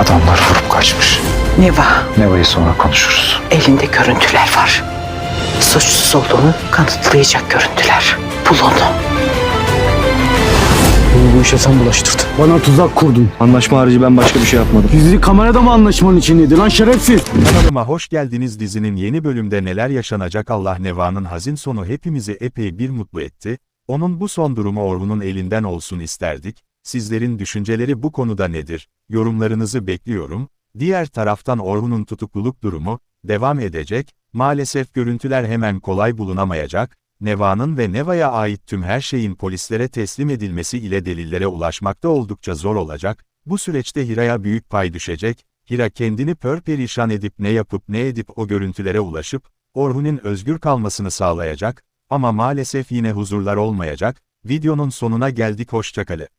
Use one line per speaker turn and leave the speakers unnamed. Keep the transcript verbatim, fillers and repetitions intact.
Adamlar vurup kaçmış.
Neva,
Neva'yı sonra konuşuruz.
elinde görüntüler var. Suçsuz olduğunu kanıtlayacak görüntüler. Bul onu.
Beni bu işe sen bulaştırdın. Bana tuzak kurdun.
Anlaşma harici ben başka bir şey yapmadım.
Gizli kamerada mı anlaşmanın içindeydi lan şerefsiz?
Kanalıma hoş geldiniz. Dizinin yeni bölümde neler yaşanacak? Allah Neva'nın hazin sonu hepimizi epey bir mutlu etti. Onun bu son durumu Orhun'un elinden olsun isterdik. Sizlerin düşünceleri bu konuda nedir? Yorumlarınızı bekliyorum. Diğer taraftan Orhun'un tutukluluk durumu devam edecek. Maalesef görüntüler hemen kolay bulunamayacak. Neva'nın ve Neva'ya ait tüm her şeyin polislere teslim edilmesi ile delillere ulaşmakta oldukça zor olacak. Bu süreçte Hira'ya büyük pay düşecek. Hira kendini pörperişan edip ne yapıp ne edip o görüntülere ulaşıp Orhun'un özgür kalmasını sağlayacak. Ama maalesef yine huzurlar olmayacak. Videonun sonuna geldik, hoşça kalın.